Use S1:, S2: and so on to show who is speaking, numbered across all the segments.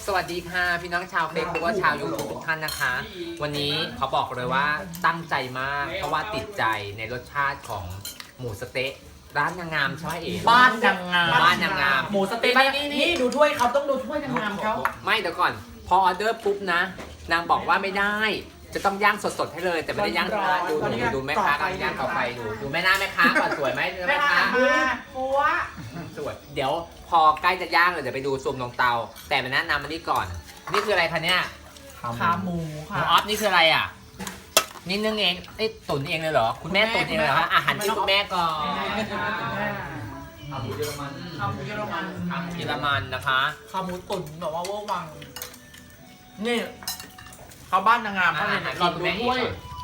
S1: สวัสดีค่ะพี่น้องชาวเฟซบุ๊กและชาวยูทูบทุกท่านนะคะ วันนี้เขาบอกเลยว่าตั้งใจมากเพราะว่าติดใจในรสชาติของหมูสะเต๊ะร้านนางงามใช่ไหมเอ๋
S2: บ้านนางงาม
S1: บ้านนางงาม
S2: หมูสะเต๊ะนี่ดูถ้วยเขาต้องดูถ้วยนางงามเขา
S1: ไม่เดี๋ยวก่อนพอออเดอร์ปุ๊บนะนางบอกว่าไม่ได้ จะต้องย่างสดๆให้เลย แต่ไม่ได้ย่างนะดูแม่ค้ากำลังย่างเอาไปดูแม่หน้าแม่ค้าก่อนสวยไหมแม่ค้า
S2: ปัว
S1: สวยเดี๋ยวพอใกล้จะย่างเลยเดี๋ยวไปดูซูมลงเตา แต่มาแนะนำมันนี่ก่อน นี่คืออะไรคะเนี่ย
S2: ขาหมู
S1: ห
S2: ค่ะ
S1: มูออฟนี่คืออะไรอ่ะนี่นึ่งเองตุ๋นเองเลยเหรอคุณแม่ตุ๋นเองเลยเหรอคะอาหารที่คุณแม่ก่อน
S2: ขาหมูเยอรมันขาหมูเยอรมัน
S1: เยอรมันนะคะ
S2: ขาหมูตุ๋นแบบว่าเวอร์วังนี่เขาบ้านนางงามเขาเนี่ยหล่อนดูด้วย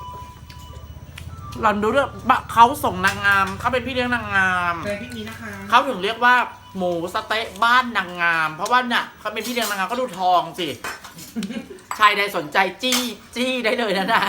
S2: หล่อนดูด้วยเขาส่งนางงามเขาเป็นพี่เลี้ยงนางงาม
S3: เลยพี่นี้นะคะ
S2: เขาถึงเรียกว่าหมูสะเต๊ะบ้านนางงาม เพราะว่าเนี่ยเขาเป็นพี่เลี้ยงนางงามก็ดูทองสิ ชายใดสนใจจี้ได้เลยนะน่ะ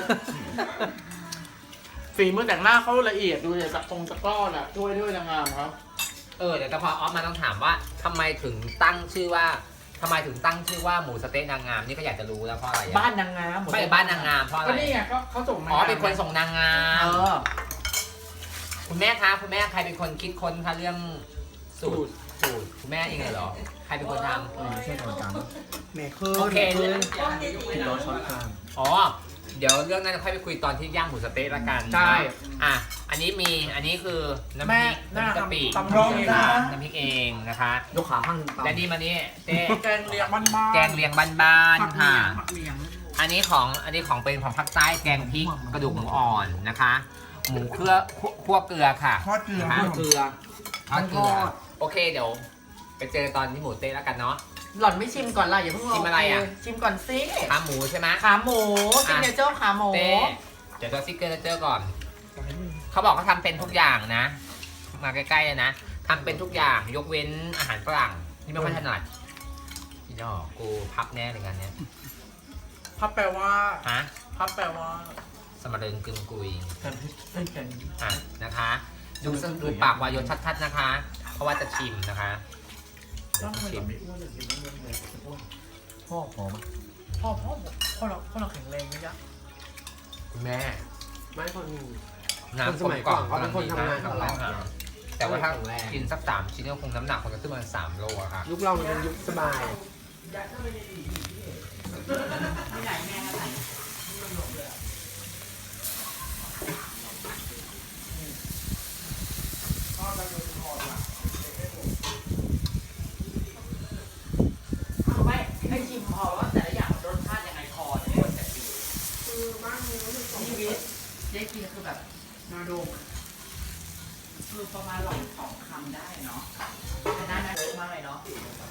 S2: ฝีมือแต่งหน้าเขาละเอียดดูเนี่ยจากตรงตะกร้อน่ะด้วยนางงามครับ
S1: เดี๋ยวแต่พอออฟมาต้องถามว่าทำไมถึงตั้งชื่อว่าหมูสะเต๊ะนางงามนี่ก็อยากจะรู้แล้วเพราะอะไรอะ
S2: บ้านนางงาม
S1: ไม่บ้านนางงามเพราะอะไร
S3: ก็นี่ไงเขาส่งมา
S1: เป็นคนส่งนางงาม คุณแม่คะคุณแม่ใครเป็นคนคิดค้นคะเรื่องสูตรคุณแม่เองเลยเหรอใครเป็นคนทำ
S3: ไม่ใช่ทำการแม่คือ
S1: โอเค
S3: กินร้อนช้อนกลาง
S1: อ๋อเดี๋ยวเรื่องนั้นค่อยไปคุยตอนที่ย่างหมูสะเต๊ะละกัน
S3: ใช่
S1: อ่ะอันนี้คือน้ำพ
S2: แม่
S1: ริก
S2: หน้า
S1: น้ำกะปิ
S2: ตำร้องนะ
S1: น้ำพริกเองนะคะ
S3: ยกขาข้างตาม
S1: และนี่มานี่เต้
S2: แกงเลียงบ้านๆ
S1: แกงเลียงบ้านๆค่ะ
S2: ผักเหลียง
S1: อันนี้ของเป็นของภาคใต้แกงพริกกระดูกหมูอ่อนนะคะ หมูคั่วเกลือค่ะ
S3: ทอดเกลือ
S1: นะคะ
S3: ทอดเกลือ
S1: ทอดเกลือโอเคเดี๋ยวไปเจอตอนที่หมูเต๊ะแล้วกันเนาะ
S2: หล่อนไม่ชิมก่อนล่ะอย่าเพิ่ง
S1: ชิมอะไรอ่ะ
S2: ชิมก่อนสิ
S1: ขาหมูใช่ไหม
S2: ขาหมูซิกเนเจอร์ขาหมู
S1: เต้เดี๋ยวตัวซิกเกอร์เจอก่อน เขาบอกเขาทำเป็นทุกอย่างนะ มาใกล้ๆเลยนะทำเป็นทุกอย่างยกเว้นอาหารฝรั่งที่ไม่ค่อยถนัดพี่ดอกกูพับแน่เลยกันเนี้ย
S2: พับแปลว่า
S1: ฮะ
S2: พับแปลว่า
S1: สมริงกึงกุย
S2: กันกัน
S1: อ่ะนะคะ ดูปากวายนชัดๆนะคะ เพราะว่าจะชิมนะคะ
S2: ต้องทำไม
S1: ชิ
S2: เรา
S1: ม
S2: ไม่อ้วนเลยกินไม่อ้วนเลยอ้วน
S3: พ่อหอม
S2: พ่อเราแข็งแรงนะจ๊ะ
S1: คุณแม่
S3: ไม่คน
S1: น้ำ
S3: คนสมัยก่อนเขาเป็นคนทำงานกับเรา
S1: แต่ว่าถ้า
S3: แข็งแรง
S1: กินสัก3 ชิ้นก็คงน้ำหนักคงจะขึ้นมา3 โลอะค่ะ
S3: ยุคเรามันเป็นยุคสบาย
S2: ไม่ให้ชิมพอว่าแต่ละอย่างรสชาติยังไงพอที่ควรจะกินนี่วิทย์ได้กินคือแบบนาโดมคือประมาณหลอด2 คำได้เนาะแต่น่าเยอะมากเลยเนาะ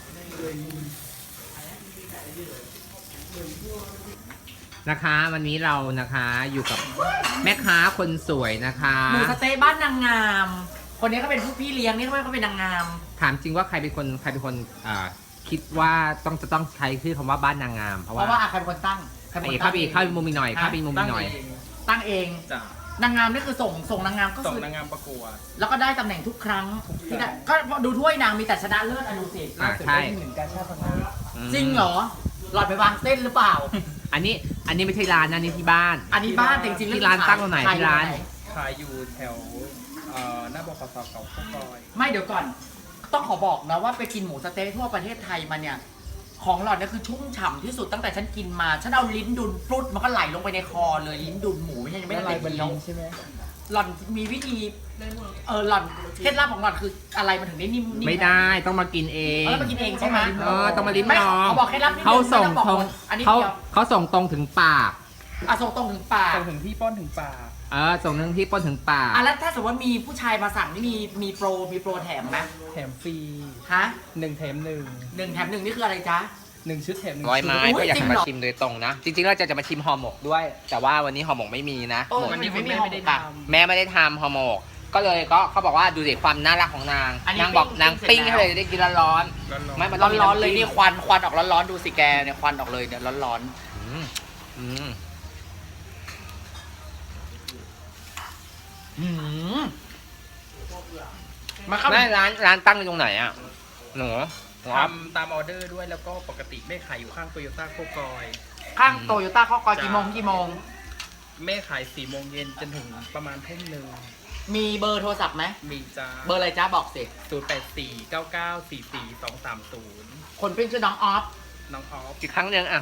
S1: นะคะวันนี้เรานะคะอยู่กับแม่ค้าคนสวยนะคะ
S2: หมูสะเต๊ะบ้านนางงาม คนนี้ก็เป็นผู้พี่เลี้ยงนี่เขาเป็นนางงาม
S1: ถามจริงว่าใครเป็นคนคิดว่าจะต้องใช้ชื่อคำว่าบ้านนางงาม เพราะ
S2: เพราะว่า
S1: ว่า
S2: ใครเป็นคนตั้งใครเป็นคน
S1: เข้า
S2: ตั้ง
S1: ไปอีกเข้าไปมุมอีกหน่อยเข้าไปมุมอีกหน่อย
S2: ตั้งเอง
S4: จ้ะ
S2: นางงามนี่คือส่งนางงามก็
S4: ส่ง
S2: คือน
S4: างงามประกวด
S2: แล้วก็ได้ตำแหน่งทุกครั้งที่ได้ก็ดูถ้วยนางมีแต่ชนะเลิศอนุสิต
S1: ใช่
S3: เหมือนกันชาติพัฒนา
S2: จริงเหรอ หลอดไปวางเส้นหรือเปล่า
S1: อันนี้ไม่ใช่ร้านนะนี่ที่บ้าน
S2: อันนี้บ้านจริงๆ
S1: ที่ร้านตั้งตรงไหนที่ร้าน
S4: ขายอยู่แถวหน้าบกสเก่าข้าวซอย
S2: ไม่เดี๋ยวก่อน ต้องขอบอกนะว่าไปกินหมูสะเต๊ะทั่วประเทศไทยมาเนี่ย ของหลอดเนี่ยคือชุ่มฉ่ำที่สุดตั้งแต่ฉันกินมา ฉันเอาลิ้นดุนปลุดมันก็ไหลลงไปในคอเลยลิ้นดุนหมูไม่ใช่ยังไม่ได้เคี้ยว
S3: ใช่ไหม
S2: หล่อนมีวิธีหล่อนเคล็ดลับของหล่อนคืออะไรมันถึงได้นิ่มๆ
S1: ไม่ได้ต้องมากินเอง
S2: แล้วมากินเองใช่ไหม
S1: ต้องมาลิ้ม
S2: ไม่
S1: ลอง
S2: เขาบอกเคล็ดลับนิดนึ
S1: เขาส่ง
S2: ไม่ต้อบอกหมดอันนี้
S1: เขา
S2: เดียว
S1: เขาส่งตรงถึงปาก
S2: ส่งตรงถึงปาก
S4: ส่งถึงที่ป้อนถึงปาก
S1: ส่งถึงที่ป้นถึงปาก
S2: แล้วถ้าสมมติว่ามีผู้ชายมาสั่งนี่มีโปรแถมไหม
S4: แถมฟรี
S2: ฮะ
S4: 1 แถม
S2: 1 แถม 1นี่คืออะไรจ๊ะ
S4: 1 ชุดแถม 1
S1: ร้อยไม้
S2: อุ๊ย
S1: ก็อยาก
S2: จริง
S1: มา
S2: เหรอ
S1: ชิมโดยตรงนะ จริงๆเราจะมาชิมห่อหมกด้วย แต่ว่าวันนี้ห่อหมกไม่มีนะ
S2: โอ้
S1: หมก
S2: มันยังไม่มี
S4: ไม่ได้
S2: ห่อหมกอะ
S4: ทำ
S1: แม่ไม่ได้ทำห่อหมก ก็เลยก็เขาบอกว่าดูสิความน่ารักของนาง
S2: อันนี้
S1: นางบอก
S2: ปิ้ง
S1: นางปิ้ง
S2: เสร็จ
S1: ให้
S2: แล้ว
S1: เลยได้กินร้อน
S4: ร้อน
S1: ๆ
S4: ๆ
S1: ไม่มันต้องมี
S2: ร้อนๆเลย
S1: ำจิ้ม
S2: นี่ควันออกร้อนๆดูสิแกเนี่ยควันออกเลยเนี่ยร้อน
S1: อืมอืม
S2: ๆมาเข้า
S1: แม่ร้านตั้งอยู่ตรงไหนอ่ะหนูครับ
S4: ทำตามออเดอร์ด้วยแล้วก็ปกติแม่ขายอยู่ข้างโตโยต้าโคกอย
S2: ข้างโตโยต้าข้อกอยกี่โมงกี่โมง
S4: แม่ขาย4 โมงเย็นจนถึงประมาณทุ่มหนึ่ง
S2: มีเบอร์โทรศัพท์ไหม
S4: มีจ้า
S2: เบอร์อะไรจ้าบอกสิ
S4: 0849944230
S2: คนเป็นชื่อน้องออฟ
S4: น้องออฟ
S1: อีกครั้งหนึงอ่ะ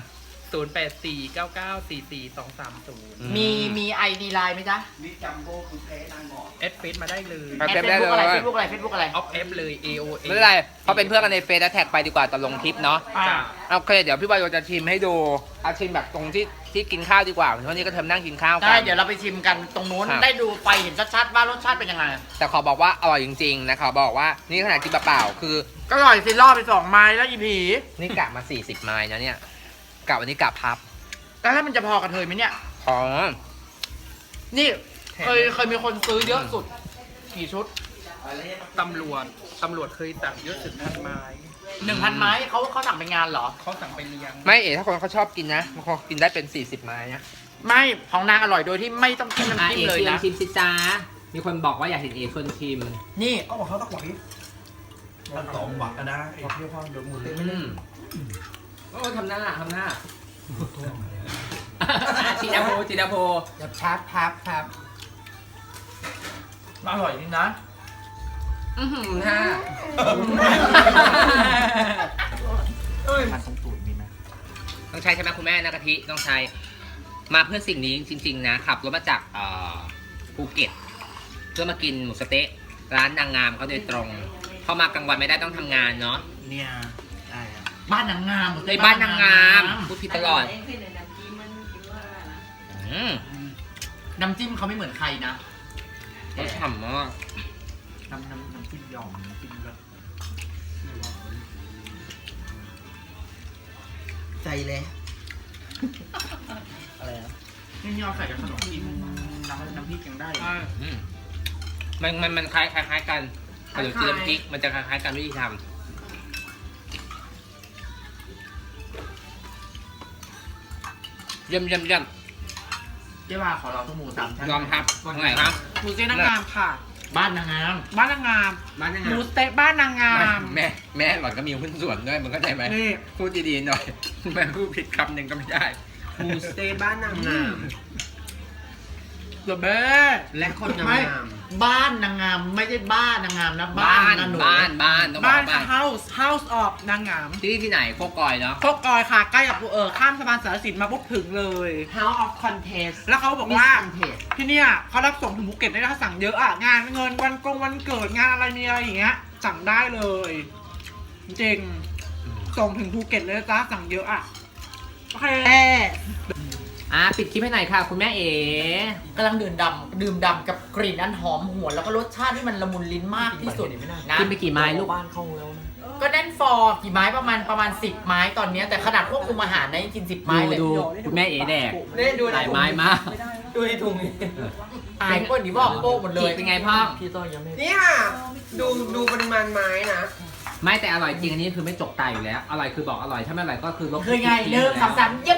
S4: 0849944230
S2: มีไอดีไลน์ไหมจ๊ะ
S4: แอดเฟซมาได้เลย
S1: ครับ
S2: แอดเฟซบุ๊กอะไรเฟซบุ๊กอะไรเฟซบุ๊กอะไร
S4: ออฟเอฟเลย AOA
S1: ไม่เป็นไรเพราะเป็นเพื่อนกันในเฟซแล้วแท็กไปดีกว่าตอนลงคลิปเนาะ
S2: อ่า
S4: จ้า
S1: โอเคเดี๋ยวพี่บอยจะชิมให้ดูเอาชิมแบบตรงที่กินข้าวดีกว่าเพราะวันนี้ก็เทมนั่งกินข้าวกั
S2: ได้เดี๋ยวเราไปชิมกันตรงนู้น
S1: ครับ
S2: ได้ดูไปเห็นชัดๆว่ารสชาติเป็นยังไง
S1: แต่ขอบอกว่าอร่อยจริงๆนะขอบอกว่านี่ขนาดกินเปล่าๆคือ
S2: ก็อร่อยสิล่อไป2 ไม้แล้วอีผี
S1: นี่กะมา40ไม้นะเนี่ยกะวันนี้กะพับ
S2: แต่ถ้ามันจะพอกับเธอไหมเนี่ย
S1: ของ
S2: นี่เคยมีคนซื้อเยอะสุด กี่ชุด
S4: ตำรวจเคยสั่งเยอะสุด1,000 ไม้
S2: 1,000 ไม้เขาสั่งเป็นงานเหรอ
S4: เขาสั่งไปเลี้ยง
S1: ไม่ถ้าคนเขาชอบกินนะบางคนกินได้เป็น40ไม้นะ
S2: ไม่ของนางอร่อยโดยที่ไม่ต้องจิ้มน้ำจิ้มเลยนะ
S1: ชิมสิจ้ามีคนบอกว่าอยากเห็นเอชวนชิม
S2: นี่
S5: ก็บอกเขาต้องหวังมันสองหวังกันนะไอ้เรียกว่าเดี๋ยวหมูเต้ไม่เล่น
S1: โอ้ทำหน้าจีดาโพ
S3: อย่าพับ
S2: อร่อยจริงนะ
S1: ค่ะ
S5: มันตรงตูดมีไหม
S1: ต้องใช้ใช่ไหมคุณแม่นะกะทิต้องใช้มาเพื่อสิ่งนี้จริงๆนะขับรถมาจากภูเก็ตเพื่อมากินหมูสะเต๊ะร้านนางงามเขาโดยตรงเข้ามากลางวันไม่ได้ต้องทำงานเนาะ
S5: เนี่ยได้อะ
S2: บ้านนางงาม
S1: ในบ้านนางงามพูดผิดตลอดอืม
S2: น้ำจิ้มเขาไม่เหมือนใครนะ
S1: รสฉ่ำมาก
S5: น้ำจิ้มหย่อมน้ำจิ้มแบบใจเลยอะไรอ่ะ
S2: นี่ยอใส่กับขนมจีนน้ำพริกยังได้
S1: อืมมันคล้ายกันขนมจีนน้ำพริกมันจะคล้ายกันวิธีทำเยี่ยม
S2: เจ๊ว่าขอเราทุกหมู3 ชั้น
S1: ยอมครับตรงไหนครับ
S6: หมูสะเต๊ะนางงามค่ะ
S2: บ้านนางงาม
S6: บ้านนางงาม
S1: บ้านยังไง
S6: หมูสะเต๊ะบ้านนางงาม
S1: แม่หล่อนก็มีหุ้นส่วนด้วยมึงเข้าใจไหม
S6: นี่
S1: พูดดีๆหน่อยแม่พูดผิดคำหนึ่งก็ไม่ได้
S3: หมูสเต๊ะบ้านนางงาม
S6: เดอะเบ้
S3: และคนงาม
S2: บ้านนางงามไม่ใช่บ้านนางงามนะบ้านนะหนู
S1: บ้านต้องบ
S6: บ้า
S1: อน กบ้าน
S6: House of นางงาม
S1: ที่ไหนโคกอยเนาะ
S6: โคกอยค่ะ ใกล้กับข้ามสะพานสารสินมาปุ๊บถึงเลย
S3: House of Contest
S6: แล้วเขาบอกว่า
S3: Miss Contest
S6: ที่เนี่ยเขารับส่งถึงภูเก็ตได้ถ้าสั่งเยอะอ่ะ งานเงินวันเกิดงานอะไรมีอะไรอย่างเงี้ย สั่งได้เลย จริงส่งถึงภูเก็ตเลยนะจ้าสั่งเยอะอ่ะ โอเค
S1: ปิดคลิปให้หน่อยค่ะ คุณแม่เอ๋
S2: กำลังดื่มดำกับกลิ่นอันหอมหวนแล้วก็รสชาติที่มันละมุนลิ้นมากที่สุดนะ
S1: กินไปกี่ไม้ลูก
S3: บ้านเข้าแล้วนะ
S2: ก็แน่นฟอร์กี่ไม้ประมาณ10 ไม้ตอนเนี้ยแต่ขนาดควบคุมอาหารนะยังกิน10 ไม้เลย
S1: ดูคุณแม่เอ๋แดก
S2: นี่ดู
S1: หลายไม้มาก
S2: ดูในถุงอายคนนี้บอกโป๊กหมดเลย
S1: เป็นไงพ่อ
S2: พี่ต้อยยังไม่
S3: นี่ค่ะ ดูปริมาณไม้นะ
S1: ไม่แต่อร่อยจริงอันนี้คือไม่จกตายอยู่แล้ว อร่อยคือบอกอร่อยถ้าไม่อร่อยก็คือลบ
S2: คือไงเริ่ม3เยี่ยม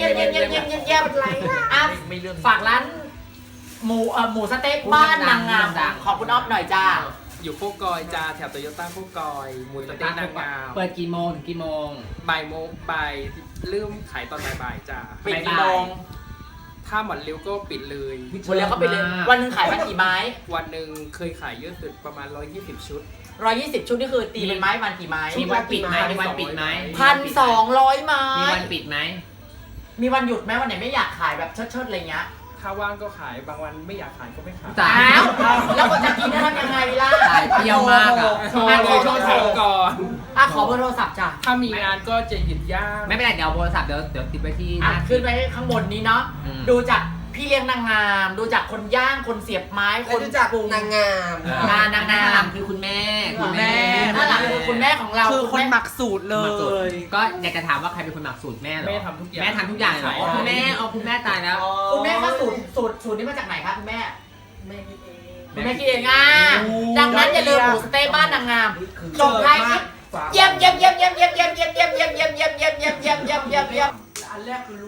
S2: อ่ะฝากร้านหมูสะเต๊ะบ้านนางงามขอบคุณอ๊อฟหน่อยจ้า
S4: อยู่โคกอยจ้าแถวโตโยต้าโคกอยหมูสะเต๊ะนางงาม
S1: เปิดกี่โมงถึงกี่โมง
S4: บ่ายโมงบ่ายเริ่มขายตอนบ่ายๆจ้า
S2: ปิดกี่โมง
S4: ถ้าหมดเร็วก็ปิดเลย
S2: หมดแล้วก็ไปเลยวันหนึงขายวันกี่ไม้
S4: วันหนึ่งเคยขายเยอะสุดประมาณ120 ชุด
S2: 120 ชุดนี่คือตีเป็นไม้วันกี่ไม้
S1: มีวันปิดไหมมีวันปิดไหม
S2: 1,200 ไม้
S1: มีวันปิดไหม
S2: มีวันหยุดไหมวันไหนไม่อยากขายแบบเชิดๆอะไรเงี้ย
S4: ถ้าว่างก็ขายบางวันไม่อยากขายก็ไม่ขาย
S1: จ้า
S2: อ้าวแล้วคนจะกินจะทำยังไงล่ะ
S1: ตายเปรี้ยวมากอะ
S4: โทรเลยโทรถามก่อน
S2: ขอเบอร์โทรศัพท์จ้ะ
S4: ถ้ามีงานก็จะหยุดย่าง
S1: ไม่เป็นไรเดี๋ยวโทรศัพท์เดี๋ยวติดไว้ที่ห
S2: อ่ะ
S1: น้า
S2: ขึ้นไปข้างบนนี้เนาะ
S1: อืม
S2: ดูจากพี่เลี้ยงนางงาม ดูจากคนย่างคนเสียบไม้ค
S3: แล้ว
S2: น
S3: ดูจาก
S2: ปรุง
S3: นางงาม
S2: นางงาม
S1: คือคุณแม่
S2: ด้านหลังคือคุณแม่ของเรา
S6: คือคนหมักสูตรเล
S1: หมักสูตร
S6: ย
S1: ก็อยากจะถามว่าใครเป็นคนหมักสูตรแม่เหรอ
S4: แม่ทำทุกอย่าง
S1: แม่ทำทุกอย่างเหรอ
S4: ใช่
S1: คุณแม่เอาคุณแม่ตายแล้ว
S2: คุณแม่ก็สูตรนี้มาจากไหนคะคุณแม่คุณแม่คิดเองอ่ะดังนั้นอย่าลืมหมูสะเต๊ะบ้านนางงามส่งท้ายคลิปเยี่ยมอันแรกคือ